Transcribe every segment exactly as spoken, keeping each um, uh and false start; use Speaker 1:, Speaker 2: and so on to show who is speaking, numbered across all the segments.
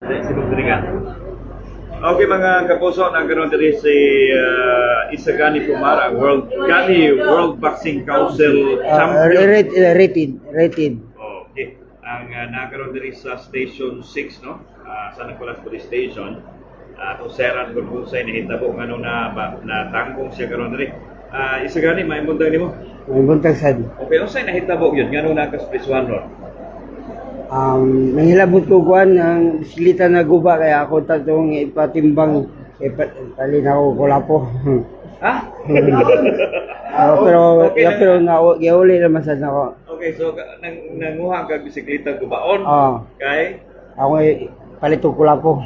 Speaker 1: Sibog diri Okay mga kapuso, nagkaroon diri si uh, Isagani Pumara, World Gani World Boxing Council
Speaker 2: Uh,
Speaker 1: Champion.
Speaker 2: rated, rated, rated.
Speaker 1: Okay. Ang uh, nagkaroon diri sa Station six, no? Uh, sa Nicolas Police Station. Uh, kung seran kung kung sa'y nahitabo nga no na, na tangkong siya karoon diri. Uh, Isagani, may buntag nimo?
Speaker 2: May buntag sad.
Speaker 1: Okay, kung sa'y nahitabo yun, nga no nakaspriswan ron?
Speaker 2: Um, nahilabot ko kuan ang bisikleta na guba kaya ako tatong ipatimbang ipatalin ako kulapo.
Speaker 1: Ha?
Speaker 2: uh, pero
Speaker 1: Okay,
Speaker 2: ya, pero na giuli naman sad nako.
Speaker 1: Okay, so nang nanguha ka bisikleta gubaon.
Speaker 2: Ah.
Speaker 1: Kay
Speaker 2: Ako ay palit og kulapo.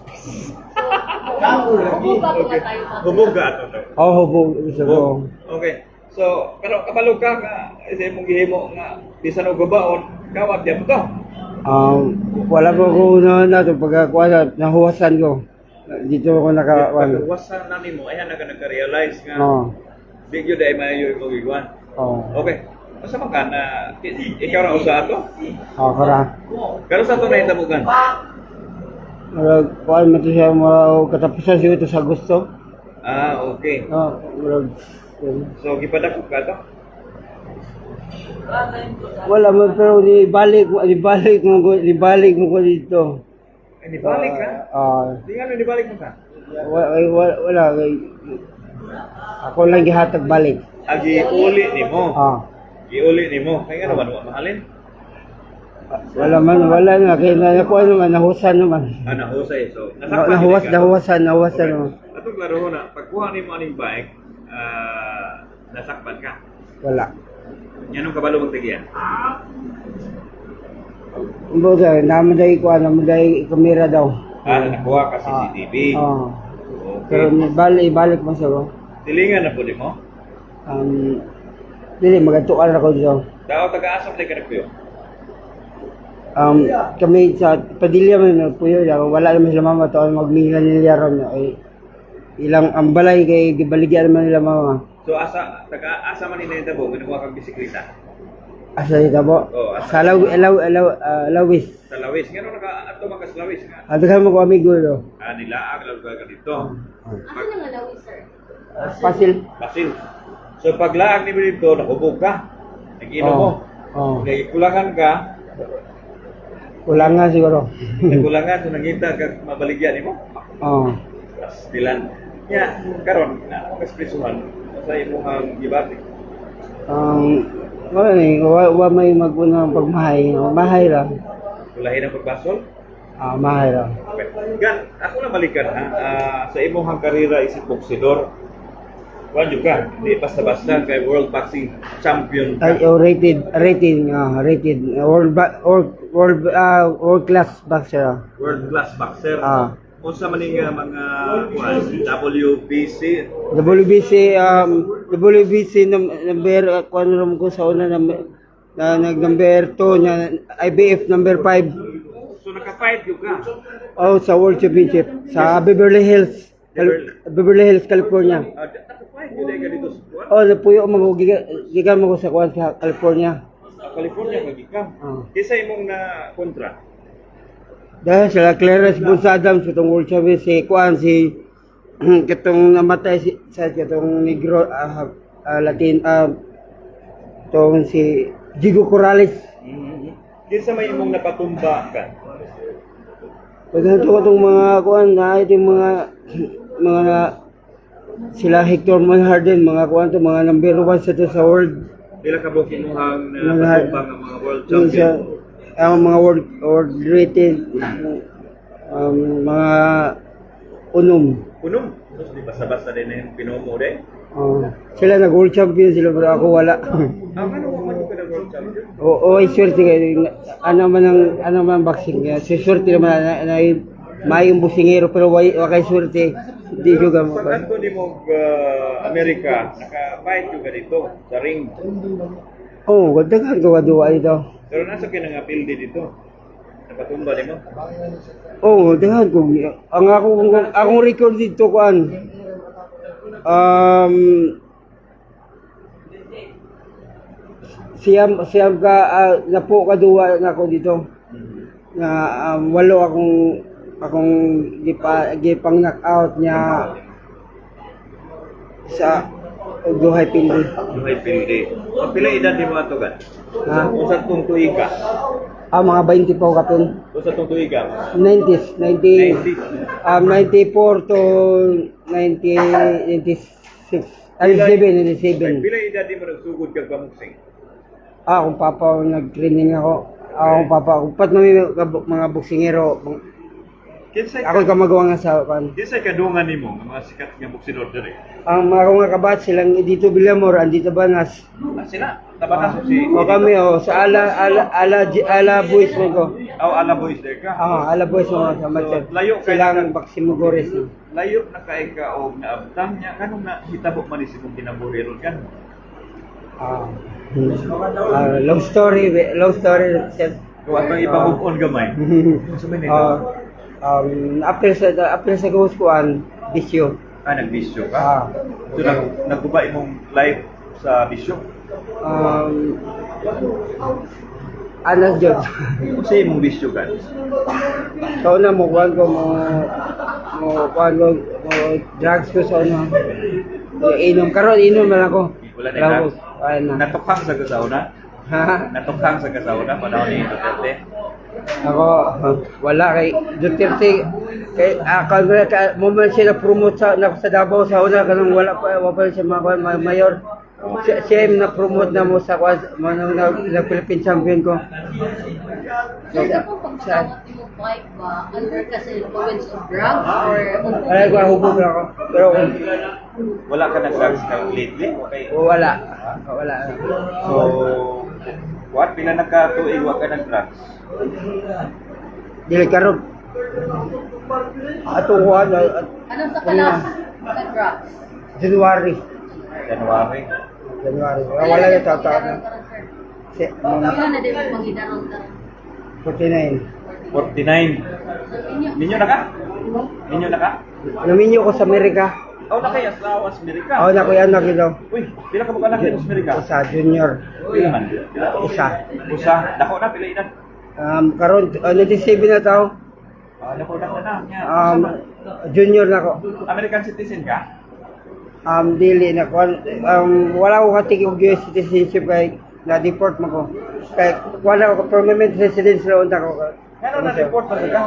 Speaker 1: Okay. Hubog ka ato to.
Speaker 2: Oh, hubog gusto ko.
Speaker 1: Okay. So, pero kabalo ka nga isa mong gihimo nga bisan og gubaon, kawat ya mo to.
Speaker 2: Um, wala ko ko na na to pagkakuha nahuwasan ko. Dito ako naka ano.
Speaker 1: Pagkawasan na nimo, ayan na ka nagka-realize nga.
Speaker 2: Oh.
Speaker 1: Di gyud ay maayo mo gigwan.
Speaker 2: Oh.
Speaker 1: Okay. Asa man ka na ikaw ra usa ato?
Speaker 2: Oh, kara.
Speaker 1: Pero sa to na hitabugan.
Speaker 2: Murag kuan man to siya mo katapusan siya ito sa Agosto.
Speaker 1: Ah, okay.
Speaker 2: Oh, murag
Speaker 1: So gipadako ka to?
Speaker 2: wala man pero di balik mo di balik mo ko di balik mo ko dito.
Speaker 1: Ay, di balik ka?
Speaker 2: Ah,
Speaker 1: Di nga di balik mo ka.
Speaker 2: wala wala, wala ako lang gihatag balik.
Speaker 1: Agi uli nimo.
Speaker 2: Ah,
Speaker 1: Giuli nimo. Kay nga naman wa mahalin.
Speaker 2: wala man wala na kay na ko naman nahusan naman.
Speaker 1: Ah, nahusay. So,
Speaker 2: Na, nahuwas nahuwasan nahuwasan naman.
Speaker 1: Atong klaro na, pagkuha nimo aning bike, ah, nasakpan ka.
Speaker 2: Wala.
Speaker 1: Yan ang kabalo magtagiyan.
Speaker 2: Kumbaga, namaday ko namaday kamera daw.
Speaker 1: Ah, nakuha ka C C T V.
Speaker 2: Ah. Pero
Speaker 1: Okay.
Speaker 2: balik balik mo sa ko.
Speaker 1: Tilingan na po di mo.
Speaker 2: Um, dili magatukan ako dito.
Speaker 1: Daw taga-asa ka nagpuyo.
Speaker 2: Um, kami sa Padilla man na puyo lang wala naman sila mama to magmila nila ron ay ilang ang balay kay gibaligyan naman nila mama.
Speaker 1: So asa taga-asa man ni Tabo, ginawa kang bisikleta.
Speaker 2: Asa ita po?
Speaker 1: Oh, asa-
Speaker 2: Sa law law law uh, lawis.
Speaker 1: Sa Lawis, ngano naka ato man ka sa Lawis nga.
Speaker 2: At kan mo ko amigo do.
Speaker 1: Ah, nilaag lang ka dito.
Speaker 3: Asa na nga lawis, sir?
Speaker 2: Pasil.
Speaker 1: Basil. So paglaag ni mo dito, nakubog ka. Nag-inom mo.
Speaker 2: Oh.
Speaker 1: Nagkulangan ka,
Speaker 2: Kulang nga siguro.
Speaker 1: nagkulangan so nangita ka mabaligyan nimo.
Speaker 2: Oh.
Speaker 1: Tapos dilan. Ya, karon na ako kasprisuhan sa imong gibati.
Speaker 2: Um, wala ni wa, wa may maguna pagmahay. Mahay lang.
Speaker 1: Ulahin ang pagbasol.
Speaker 2: Ah, mahay lang.
Speaker 1: Okay. Gan, ako na balikan ha. Ah, sa imong karera isip boksidor. Kuan juga, di basta-basta kay World Boxing Champion ka.
Speaker 2: Ay, oh, rated, rated, ah, rated, world, ba, world, world, ah, world class boxer.
Speaker 1: World class boxer.
Speaker 2: Ah.
Speaker 1: Unsa man ning uh, mga kuan W B C
Speaker 2: W B C, um, W B C num- number, uh, kung ano naman ko sa una, number, na nag number two, na I B F number five,
Speaker 1: so naka-fight yung ka.
Speaker 2: oh, sa World Championship, sa Beverly Hills, Cal- Beverly Hills, California.
Speaker 1: Ah, naka-fight yun ay ganito sa kuan.
Speaker 2: Oh, napuyo mo, giga- gigan mo ko sa kuwan sa California.
Speaker 1: Sa California kag ikaw.
Speaker 2: Ah.
Speaker 1: Kisa imong na kontra.
Speaker 2: Dahil sila Clarence Bunsadam sa itong World Championship, si Kwan, si katong namatay si, sa katong negro, ah, ah, Latin, ah, itong si Jigo Corrales.
Speaker 1: Mm-hmm. Kisa may imong napatumba ka.
Speaker 2: Pagka ito itong mga Kwan, na ito yung mga, mga na, sila Hector Manharden, mga Kwan to, mga number one sa ito sa world.
Speaker 1: Pila ka bukid mo ang
Speaker 2: Mga-
Speaker 1: napatumba nga mga world
Speaker 2: Yung sa,
Speaker 1: champion.
Speaker 2: ang mga world, world rated, um, mga unom.
Speaker 1: Kunom. Tapos di basta-basta din na yung pinomo din.
Speaker 2: Oh, sila nag world champion sila pero ako wala.
Speaker 1: Ah, ano mo man yung ka world champion?
Speaker 2: Oo, ay swerte kayo. Ano man ang ano man ang boxing kaya. Si swerte naman na, na, na mayong busingero pero way wakay swerte. Hindi juga mo.
Speaker 1: Pag anto ni mo uh, Amerika, naka-fight yung dito sa ring.
Speaker 2: Oh, ganda ka duwa ito.
Speaker 1: Pero nasa ka nga pildi dito. Napatumba ni mo.
Speaker 2: Oh, dahan ko. Ang ako akong record dito kuan. Um siyam siyam ka uh, napo ka duwa na ako dito. Na um, walo akong akong gipa gipang knockout niya sa duhay pindi.
Speaker 1: Duhay pildi. So, pila edad ni mga tugan?
Speaker 2: Ha?
Speaker 1: Kung sa itong tuig ka?
Speaker 2: Ah, mga twenty po kapin.
Speaker 1: Kung sa itong tuig ka?
Speaker 2: nineties, ninety,
Speaker 1: nineties.
Speaker 2: um, ninety-four to ninety, ninety-six, ninety-seven, ninety-seven.
Speaker 1: Pila edad ni mo nagsugod kag pamuksing?
Speaker 2: Ah, kung papa nag-training ako. Ah, kung papa, kung pat mga, mga boksingero,
Speaker 1: Kinsay
Speaker 2: ako ka magawa nga sa kan.
Speaker 1: Kinsay kadungan nimo nga mga sikat nga boksidor diri?
Speaker 2: Ang mga nga kabat silang dito Villamor, andito Banas.
Speaker 1: Ah, sila. Tabatas si
Speaker 2: O kami o sa ala ala ala ala boys mo ko.
Speaker 1: Aw ala boys there ka.
Speaker 2: Ah, ala boys mo sa match.
Speaker 1: So, layo kay-
Speaker 2: Silang Baksimugores.
Speaker 1: Layo na kay ka og naabtan niya kanong na hitabo man ni imong kinabuhi ron kan.
Speaker 2: Ah. ah, love story, love story. Sir.
Speaker 1: Kung atong ipamove-on gamay. Sa man
Speaker 2: Ah, um, after sa after sa gawskuan, bisyo.
Speaker 1: Ah, nagbisyo ka?
Speaker 2: Ah.
Speaker 1: So, nag, nagkuba imong live sa bisyo?
Speaker 2: Um, anas jud.
Speaker 1: Kung sa imong bisyo ka?
Speaker 2: Kau na mo kuan ko mo mo kuan ko mo drugs ko sa ano. Inom karon inom man ako.
Speaker 1: Wala na
Speaker 2: Wala ko.
Speaker 1: drugs?
Speaker 2: Ay na.
Speaker 1: Natukhang sa kasauna?
Speaker 2: Ha?
Speaker 1: Natukhang sa kasauna panahon ni Duterte?
Speaker 2: Ako, wala kay Duterte kay akal mo ka mo man sila promote sa na, sa Davao sa una kanang wala pa wala pa siya mga ma- mayor. Siya, siya yung na-promote na mo sa kwas mo na, na, na Philippine champion ko.
Speaker 3: Sir, sa pong pagkakawat mo bike ba, under ka sa influence of drugs or
Speaker 2: Ay ko hubog ako. Pero
Speaker 1: Wala ka nag-drugs ka lately? Okay.
Speaker 2: wala. Wala.
Speaker 1: So, what? Pila nagkatuig wa ka nag-drugs?
Speaker 2: Dili karon. Ato kuan at
Speaker 3: anong sa kalas na drugs?
Speaker 2: January.
Speaker 1: January.
Speaker 2: January. Wala yung tataon na. Si,
Speaker 3: Ilan na din mo magidaron ka?
Speaker 2: forty-nine.
Speaker 1: forty-nine.
Speaker 3: So, inyo,
Speaker 1: Ninyo na ka? Ninyo na ka?
Speaker 2: Naminyo ko sa Amerika.
Speaker 1: Oh, na kay asawa sa Amerika.
Speaker 2: Ako na ko yan nakilo.
Speaker 1: Uy, pila ka mo anak sa Amerika?
Speaker 2: Isa, junior.
Speaker 1: Pila man? Pila?
Speaker 2: Isa.
Speaker 1: Usa. Dako na pila edad?
Speaker 2: Um, karon uh, ninety-seven na tao.
Speaker 1: Ah, dako dako na. Nya.
Speaker 2: Um, junior na ko.
Speaker 1: American citizen ka?
Speaker 2: Um, dili na ko. Um, wala ko katig og U S citizenship kay na-deport mo ko. Kay wala ko permanent residence na unta ko.
Speaker 1: Ano na report pa ka?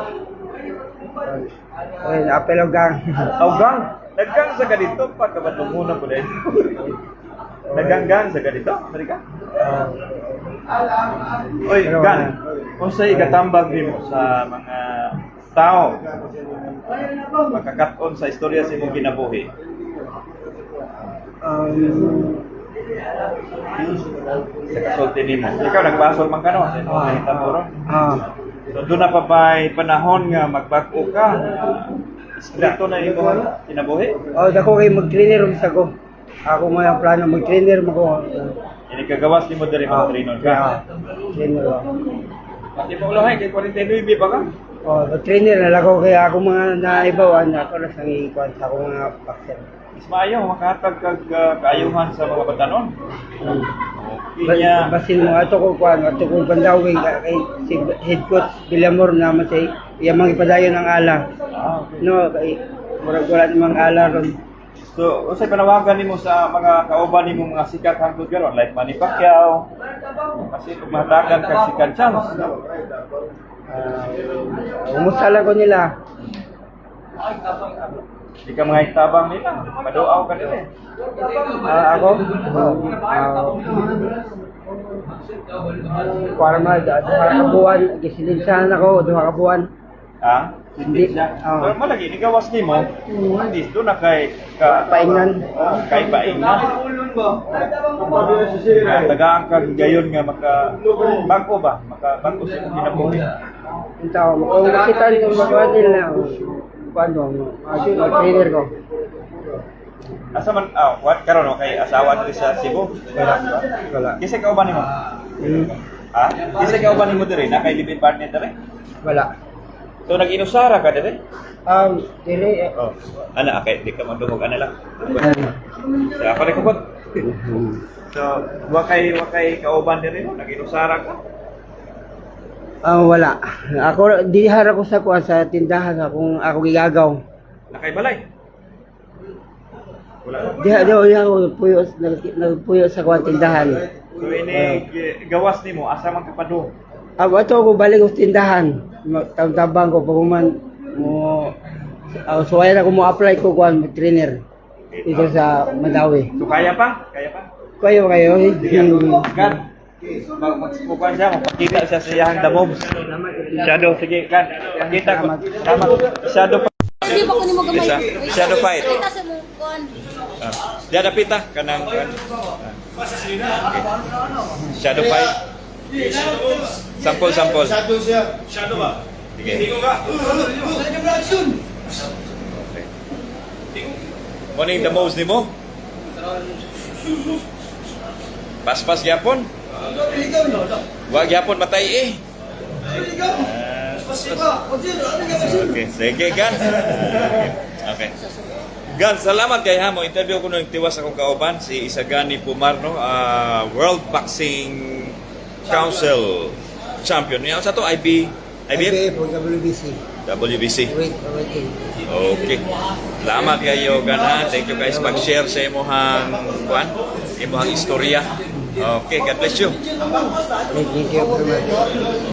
Speaker 2: Ay, apel og gang.
Speaker 1: Augang. Naggang sa ganito pagkabatunguna po din. Naganggang sa ganito, Amerika? Oy,
Speaker 2: Pero
Speaker 1: Gan.
Speaker 2: wala.
Speaker 1: Kung sa'y katambag nimo sa mga tao makakat-on sa istorya sa imong kinabuhi.
Speaker 2: Um,
Speaker 1: Sa kasulti nimo. Ikaw nagbasol man ka no? Sa imong
Speaker 2: ah,
Speaker 1: hitapuro.
Speaker 2: ah,
Speaker 1: So doon na pa ba'y panahon nga magbag-o ka? Strito na imong kinabuhi?
Speaker 2: oh, dako kay mag-trainer um sa ko. Ako mo yung plano mag-trainer mo ko.
Speaker 1: Ini kagawas nimo diri
Speaker 2: Ah,
Speaker 1: mga trinon ka.
Speaker 2: ah, trainer ako.
Speaker 1: Pati mo ulo kay forty-nine pa ka?
Speaker 2: Oh, mag-trainer na lang ako kaya ako mga naibawan ako na sang ikuan sa ako mga boxer.
Speaker 1: Is maayo makahatag kag uh, kaayuhan sa mga batanon.
Speaker 2: Hmm.
Speaker 1: Okay niya.
Speaker 2: Basin mo ato ko kuan, ato ko bandaw kay kay si head coach Villamor na matay. Iya mang ipadayon ang ala.
Speaker 1: Ah, okay.
Speaker 2: No, kay murag wala namang ala ron.
Speaker 1: So, unsay panawagan nimo sa mga kauban nimo mga sikat hangtod karon like Manny Pacquiao? Kasi kung mahatagan kag sikat chance.
Speaker 2: Uh, umusala ko nila.
Speaker 1: Di ka mga itabang nila. Paduaw ka nila.
Speaker 2: Ah, ako? Uh, para ma duha ka buwan, gisinilsahan ako duha ka buwan.
Speaker 1: Ha? Hindi siya.
Speaker 2: Oo.
Speaker 1: Pero malagi ni gawas nimo. Hindi do na kay ka
Speaker 2: Paingnan.
Speaker 1: Oh, kay paingnan. Ah, tagaan ka gayon nga maka bago ba? Maka bago sa imong kinabuhi.
Speaker 2: Yung tao mo, kung nasitan yung mga nila, paano, mag-trainer ko.
Speaker 1: Asa man ah, what karon no kay asawa diri sa Cebu?
Speaker 2: Wala. Wala.
Speaker 1: Kisa ka uban nimo?
Speaker 2: Hmm.
Speaker 1: Ha? Kisa ka uban nimo diri na kay live-in partner diri?
Speaker 2: Wala.
Speaker 1: So nag-inusara ka diri?
Speaker 2: Um, dili, eh.
Speaker 1: Oh. Ana okay, di ka mandungog ana lang. Sa ako rin kubot. So, wa kay wa kay kauban diri no, nag-inusara ka.
Speaker 2: Ah, wala. Ako dihara ko sa kuan sa tindahan akong ako gigagaw.
Speaker 1: Nakaibalay? Wala pa.
Speaker 2: Diha diha diha ako puyo nag- nagpuyo sa kuan tindahan.
Speaker 1: So ini gi- gawas nimo asa man kapado?
Speaker 2: Ah, ato ako balik sa tindahan. Tabang ko pag man mo uh, so ayun ako mo apply ko kuan mo trainer dito sa Madawi.
Speaker 1: So kaya pa? Kaya pa?
Speaker 2: Kayo kayo eh.
Speaker 1: Kan, mag magsubukan siya, magpakita siya sa iyang damog. Shadow, sige, kan. Pakita ko. Salamat. Shadow pa.
Speaker 3: Hindi ba ko ni mo gamay?
Speaker 1: Isa. Shadow fight.
Speaker 3: Kita sa mong kuan.
Speaker 1: Ah. Diyan na pita, kanang kan. Okay. Shadow fight. Sampol, sampol.
Speaker 4: Shadow siya. Shadow ba?
Speaker 1: Sige.
Speaker 4: Tingo ka.
Speaker 1: Okay. Morning the most nimo. Pas-pas gyapon. Wa gyapon matay eh. Okay, sige gan. Okay. Gan, salamat kay Hamo. Interview ko nung tiwas akong kauban si Isagani Pumarno, ah, World Boxing Council champion. Yan sa to I B I B F
Speaker 2: W B C.
Speaker 1: W B C.
Speaker 2: Wait, wait.
Speaker 1: Okay. Salamat kayo gana. Thank you guys pag-share sa imuhang kuan, imuhang istorya. Okay, God bless you.
Speaker 2: Thank you very much.